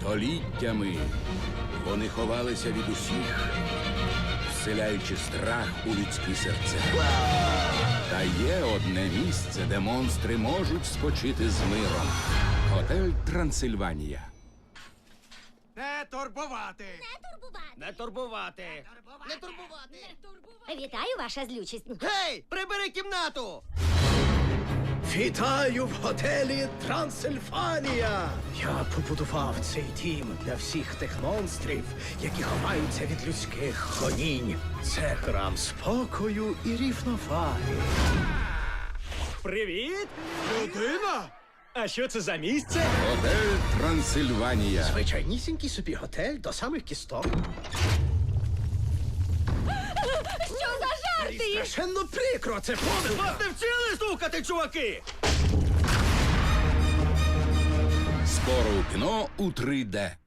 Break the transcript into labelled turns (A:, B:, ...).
A: Століттями вони ховалися від усіх, вселяючи страх у людські серця. Та є одне місце, де монстри можуть спочити з миром. Готель Трансильванія.
B: Не турбувати!
C: Не турбувати. Не турбувати.
D: Вітаю, ваша злючість.
C: Гей, прибери кімнату!
E: Вітаю в готелі Трансильфанія! Я побудував цей дім для всіх тих монстрів, які ховаються від людських гонінь. Це храм спокою і рівноваги.
F: Привіт!
B: Людина?
F: А що це за місце?
A: Готель Трансильванія.
E: Звичайнісінький собі готель до самих кісток.
D: Що за жарти?
E: Страшенно прикро, це помилка!
C: Вас не вчили стукати, чуваки!
A: Скоро у кіно у 3D.